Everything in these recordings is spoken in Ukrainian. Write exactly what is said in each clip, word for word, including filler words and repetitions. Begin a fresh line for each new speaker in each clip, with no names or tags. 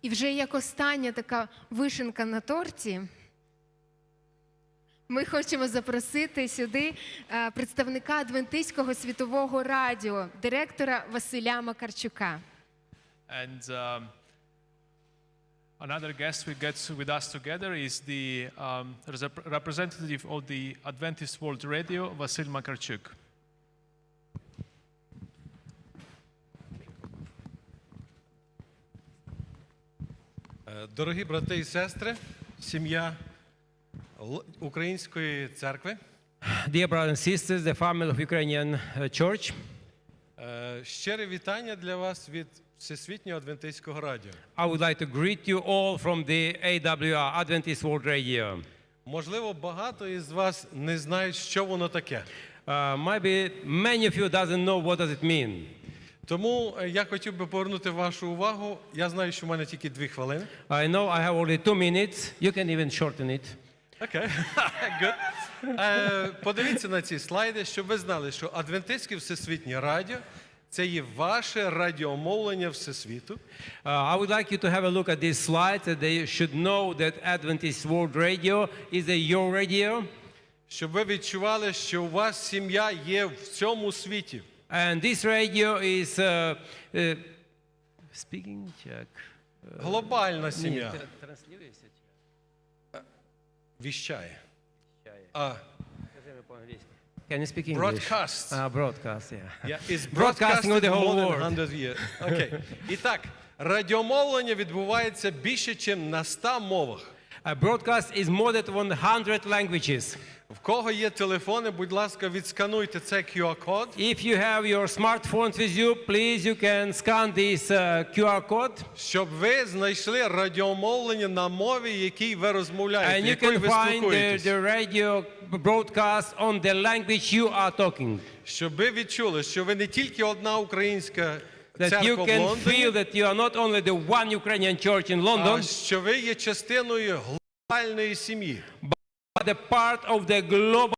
І вже як остання така вишенька на торті, ми хочемо запросити сюди представника Адвентистського світового радіо, директора Василя Макарчука.
And um, another guest we get with us together is the um, representative of the Adventist World Radio, Vasil Makarchuk.
Дорогі брати і сестри, сім'я Української церкви.
Dear brothers and sisters, the family of Ukrainian Church.
Щире вітання для вас від Всесвітнього Адвентистського радіо.
I would like to greet you all from the A W R, Adventist World Radio.
Можливо, багато із вас не знають, що воно таке.
Uh, maybe many of you doesn't know what does it mean.
Тому я хотів би повернути вашу увагу. Я знаю, що в мене тільки дві хвилини.
I know I have only two minutes. You can even shorten it.
Окей, good. Е, подивіться на ці слайди, щоб ви знали, що Адвентистське Всесвітнє радіо – це є ваше радіомовлення Всесвіту.
Uh, I would like you to have a look at these slides, that they should know that Adventist World Radio is a your radio.
Щоб ви відчували, що у вас сім'я є в цьому світі.
And this radio is uh, uh, speaking Czech.
Глобальна сім'я. Віщає. А,
Can you speak English?
broadcasts.
Uh, broadcast, yeah.
Yeah, it's
Broadcasting of the whole
more than
world.
one hundred years. Окей. І так, радіомовлення відбувається більше, ніж на ста мовах.
A broadcast is more than one hundred languages.
В кого є телефони, будь ласка, відскануйте цей кю ар-код.
If you have your smartphones with you, please you can scan this uh, кю ар code.
Щоб ви знайшли радіомовлення на мові, якій ви розмовляєте,
And you
якою
can
ви
find the,
спілкуєтесь.
the radio broadcast on the language you are talking.
Щоб ви відчули, що ви не тільки одна українська
That you
церква в
can
Лондоні,
feel that you are not only the one Ukrainian church in
а
London,
що ви є частиною глобальної сім'ї.
but a part of the global.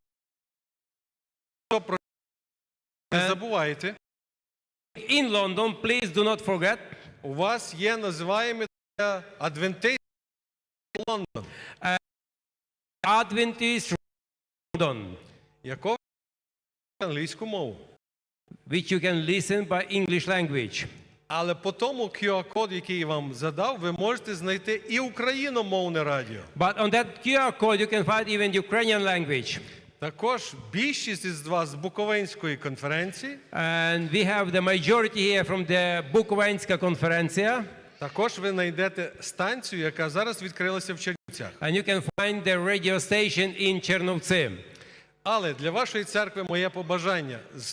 Не забувайте,
In London, please do not forget,
у вас є називаємо Адвентист Лондон,
Adventist London,
якого англійську мову.
which you can listen by English language.
Але по тому кю ар-код, який я вам задав, ви можете знайти і україномовне радіо.
But on that кю ар code, you can find even Ukrainian language.
Також більшість із вас з Буковинської конференції.
And we have the majority here from the Bukovinska Konferencija.
Також ви знайдете станцію, яка зараз відкрилася в Чернівцях.
And you can find the radio station in Chernovtsi.
Але для вашої церкви моє побажання